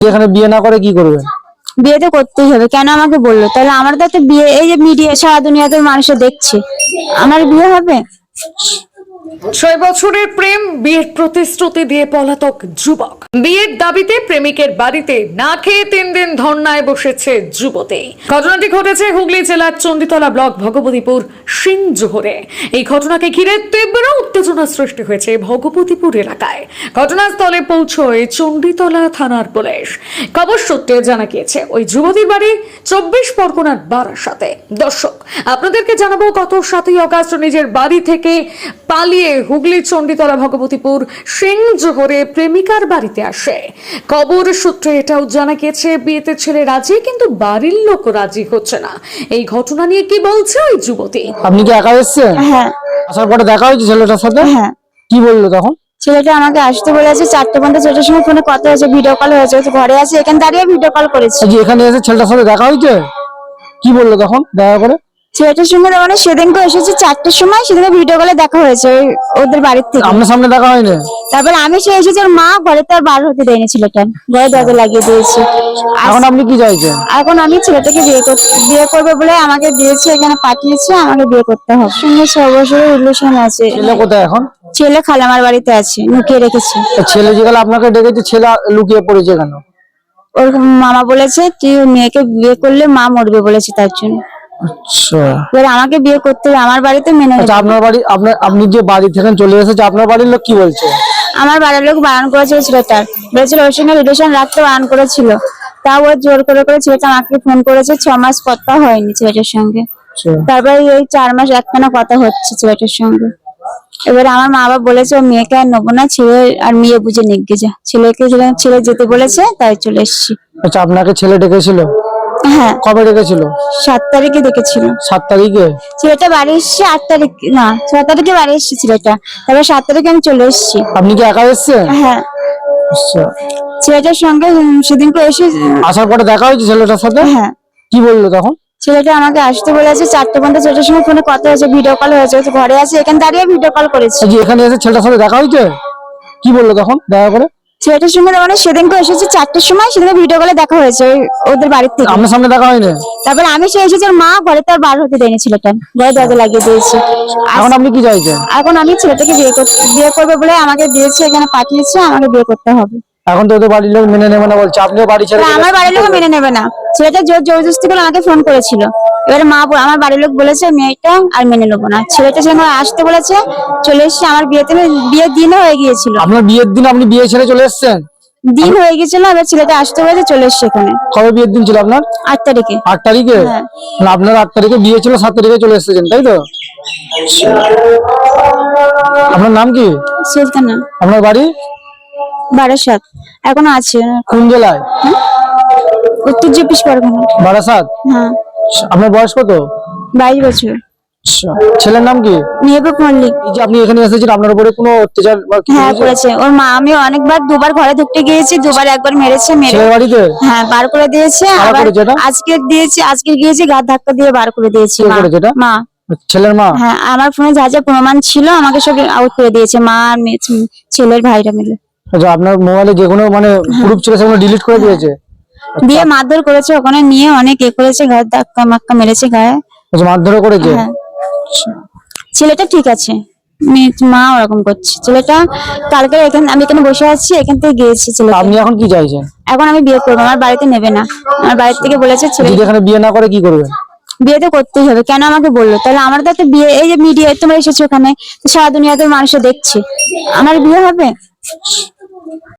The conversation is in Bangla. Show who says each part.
Speaker 1: এখানে বিয়ে না করে কি করবেন?
Speaker 2: বিয়ে তো করতেই হবে, কেন আমাকে বললো? তাহলে আমার তো একটা বিয়ে, এই যে মিডিয়া সারা দুনিয়াতে মানুষে দেখছে, আমার বিয়ে হবে?
Speaker 3: 6 বছরের প্রেম, বিয়ের প্রতিশ্রুতি দিয়ে পলাতক যুবক। বিয়ের দাবিতে প্রেমিকের বাড়িতে না খেয়ে 3 দিন ধর্নায় বসেছে যুবতী। ঘটনাটি ঘটেছে হুগলি জেলার চণ্ডীতলা ব্লক ভগবতীপুর সিংজোহরে। এই ঘটনাকে ঘিরে তীব্র উত্তেজনা সৃষ্টি হয়েছে ভগবতীপুর এলাকায়। ঘটনাস্থলে পৌঁছয় চণ্ডীতলা থানার পুলিশ। খবর সূত্রে জানা গিয়েছে ওই যুবতীর বাড়ি 24 পরগনার বারাসাতে। দর্শক, আপনাদেরকে জানাবো, গত 7ই আগস্ট নিজের বাড়ি থেকে পালিয়ে হুগলি চণ্ডীতলা ভগবতীপুর সিংজোহরে প্রেমিকার বাড়িতে আসে। খবর সূত্রে এটাও জানা গিয়েছে বিয়েতে ছেলে রাজি, কিন্তু বাড়ির লোক রাজি হচ্ছে না। এই ঘটনা নিয়ে কি বলছে ওই যুবতী?
Speaker 1: আপনি কি একা এসেছেন?
Speaker 2: হ্যাঁ
Speaker 1: আসার পরে দেখা হয়েছে ছেলেটার সাথে?
Speaker 2: হ্যাঁ,
Speaker 1: কি বললো তখন?
Speaker 2: ছেলেটা আমাকে আসতে বলেছে 4টে পর্যন্ত, 4টার সময় ফোনে কথা হয়েছে, ভিডিও কল হয়েছে, ও তো ঘরে আছে, এখানে দাঁড়িয়ে ভিডিও কল করেছে।
Speaker 1: আজ এখানে এসে ছেলেটার সাথে দেখা হয়েছে? কি বললো তখন দেখা করে?
Speaker 2: ছেলেটার সঙ্গে মানে সেদিনকে এসেছে 4টার সময়, সেদিনকে ভিডিও কলে দেখা হয়েছে ওদের বাড়ির থেকে।
Speaker 1: আপনার সামনে দেখা হয়নি?
Speaker 2: তারপরে আমি সে এসেছি, ওর মা ঘরে তো আর বার হতে দেয়নি, ছেলেটা ঘরে দরজা লাগিয়ে দিয়েছে।
Speaker 1: এখন আপনি কি চাইছেন?
Speaker 2: এখন আমি ছেলেটাকে বিয়ে করবে বলে আমাকে দিয়েছে, এখানে পাঠিয়েছে, আমাকে বিয়ে করতে হবে। সঙ্গে 6 বছরের রিলেশন আছে।
Speaker 1: ছেলে কোথায় এখন?
Speaker 2: ছেলে খালামার বাড়িতে আছে, লুকিয়ে রেখেছে।
Speaker 1: ছেলে যেগুলো আপনাকে ডেকেছে, ছেলে লুকিয়ে পড়েছে কেন?
Speaker 2: ওর মামা বলেছে তুই মেয়েকে বিয়ে করলে মা মরবে বলেছে, তার জন্য।
Speaker 1: আচ্ছা
Speaker 2: এবার আমাকে বিয়ে করতে হবে, আমার বাড়িতে মেনে নেবে।
Speaker 1: আচ্ছা, আপনার বাড়ি আপনি যে বাড়ি থেকে চলে এসেছে, আপনার বাড়ির লোক কি বলছে?
Speaker 2: আমার বাড়ির লোক বারণ করেছিল ছেলেটার, বলেছিল ওর সঙ্গে রিলেশন রাখতে বারণ করেছিল। তাও ও জোর করে করে ছেলেটা আমাকে ফোন করেছে, 6 মাস কথা হয়নি ছেলেটার সঙ্গে।
Speaker 1: আচ্ছা,
Speaker 2: তারপরে এই 4 মাস একটানা কথা হচ্ছে ছেলেটার সঙ্গে। এবারে আমার মা বাবা বলেছে ও মেয়েকে আর নেবো না, ছেলে আর মেয়ে বুঝে নিয়ে যা। ছেলে যেতে বলেছে, তাই চলে এসেছি।
Speaker 1: আচ্ছা, আপনাকে ছেলে ডেকেছিল?
Speaker 2: হ্যাঁ,
Speaker 1: কবে ডেকেছিল?
Speaker 2: 7 তারিখে দেখেছিল।
Speaker 1: 7 তারিখে?
Speaker 2: ছেলেটা বাড়ি এসছে 8 তারিখ, না 6 তারিখে বাড়ি এসছে ছেলেটা, তারপরে 7 তারিখে আমি চলে এসেছি।
Speaker 1: আপনি কি একা এসেছেন?
Speaker 2: হ্যাঁ,
Speaker 1: আচ্ছা,
Speaker 2: ছেলেটার সঙ্গে সেদিনকে এসে।
Speaker 1: আসার পরে দেখা হয়েছে ছেলেটার সাথে?
Speaker 2: হ্যাঁ,
Speaker 1: কি বললো তখন?
Speaker 2: ছেলেটা আমাকে আসতে বলেছে 4টে পর্যন্ত, 4টার সময় ফোনে কথা হয়েছে, ভিডিও কল হয়েছে, ও তো ঘরে আছে, এখানে দাঁড়িয়ে ভিডিও কল করেছে।
Speaker 1: আজ এখানে এসে ছেলেটার সাথে দেখা হয়েছে? কি বললো তখন দেখা করে?
Speaker 2: ছেলেটার সঙ্গে মানে সেদিনকে এসেছে 4টার সময়, সেদিনকে ভিডিও কলে দেখা হয়েছে ওদের বাড়ির থেকে।
Speaker 1: আপনার সামনে দেখা হয়নি?
Speaker 2: তারপরে আমি সে এসেছি, ওর মা ঘরে তো আর বার হতে দেয়নি, ছেলেটা ঘরে দরজা লাগিয়ে দিয়েছে।
Speaker 1: এখন আপনি কি চাইছেন?
Speaker 2: এখন আমি ছেলেটাকে বিয়ে করবে বলে আমাকে দিয়েছে, এখানে পাঠিয়েছে, আমাকে বিয়ে করতে হবে।
Speaker 1: এখন তো ওদের বাড়ির লোক মেনে নেবে না বলছে, আপনিও বাড়ি ছেড়ে
Speaker 2: এবার আমার বাড়ির লোক মেনে নেবে না। ছেলেটা জোরজবরদস্তি করে আমাকে ফোন করেছিল। এবারে আমার বাড়ির লোক বলেছে মেয়েটা আর মেনে নেবো না। ছেলেটা সঙ্গে আসতে বলেছে, চলে এসেছে। আমার বিয়ের দিনও হয়ে গিয়েছিল।
Speaker 1: আপনার বিয়ের দিন আপনি বিয়ে ছেড়ে চলে এসেছেন?
Speaker 2: দিন হয়ে গেছিল, এবার ছেলেটা আসতে বলেছে, চলে এসছে এখানে।
Speaker 1: কবে বিয়ের দিন ছিল আপনার?
Speaker 2: 8 তারিখে।
Speaker 1: 8 তারিখে?
Speaker 2: হ্যাঁ।
Speaker 1: না, আপনার 8 তারিখে বিয়ে ছিল, 7 তারিখে চলে এসেছেন, তাই তো? আপনার নাম কি?
Speaker 2: সুলতানা।
Speaker 1: আপনার বাড়ি
Speaker 2: বারাসাত। এখনো আছে।
Speaker 1: কোন জেলায়?
Speaker 2: উত্তর 24 পরগনা।
Speaker 1: বারাসাত?
Speaker 2: হ্যাঁ,
Speaker 1: আপনার বয়স কত?
Speaker 2: 22 বছর।
Speaker 1: আচ্ছা, ছেলের নাম কি?
Speaker 2: মেহবুব মল্লিক।
Speaker 1: এই যে আপনি এখানে এসেছেন, আপনার উপরে কোনো অত্যাচার বা কিছু
Speaker 2: হ্যাঁ,
Speaker 1: হয়েছে?
Speaker 2: করেছে ওর মা। আমি অনেকবার, 2বার ঘরে ঢুকতে গিয়েছি, 2বার, একবার মেরেছে,
Speaker 1: ছেলের বাড়িতে?
Speaker 2: হ্যাঁ বার করে দিয়েছে।
Speaker 1: কারা
Speaker 2: আবার
Speaker 1: করেছে এটা?
Speaker 2: আজকে গিয়েছি, ঘাট ধাক্কা দিয়ে বার করে দিয়েছে
Speaker 1: কে
Speaker 2: মা।
Speaker 1: করেছে এটা?
Speaker 2: মা।
Speaker 1: ছেলের মা?
Speaker 2: হ্যাঁ, আমার ফোনে যা যা প্রমাণ ছিল আমাকে সব আউট করে দিয়েছে মা আর ছেলের ভাইরা মিলে।
Speaker 1: আচ্ছা, আপনার মোবাইলে যেগুলো মানে প্রুফ ছিল সেগুলো ডিলিট করে দিয়েছে?
Speaker 2: দিয়ে মারধর করেছে, ওখানে নিয়ে অনেক করেছে, ঘাট ধাক্কা মাক্কা মেরেছে গায়ে।
Speaker 1: আচ্ছা, মারধর করেছে?
Speaker 2: হ্যাঁ, ছেলেটা ঠিক আছে, মা ওরকম করছে। ছেলেটা কালকে আমি এখানে বসে আছি, এখান থেকে গিয়েছি ছেলেটা।
Speaker 1: আপনি এখন কি চাইছেন?
Speaker 2: এখন আমি বিয়ে করবো, আমার বাড়িতে নেবে না। আমার বাড়ির থেকে বলেছে ছেলে
Speaker 1: যদি এখানে বিয়ে না করে কি করবেন?
Speaker 2: বিয়ে তো করতেই হবে, কেন আমাকে বললো? তাহলে আমার তো একটা বিয়ে, এই যে মিডিয়া তোমরা এসেছো ওখানে, সারা দুনিয়াতে মানুষে দেখছে, আমার বিয়ে হবে?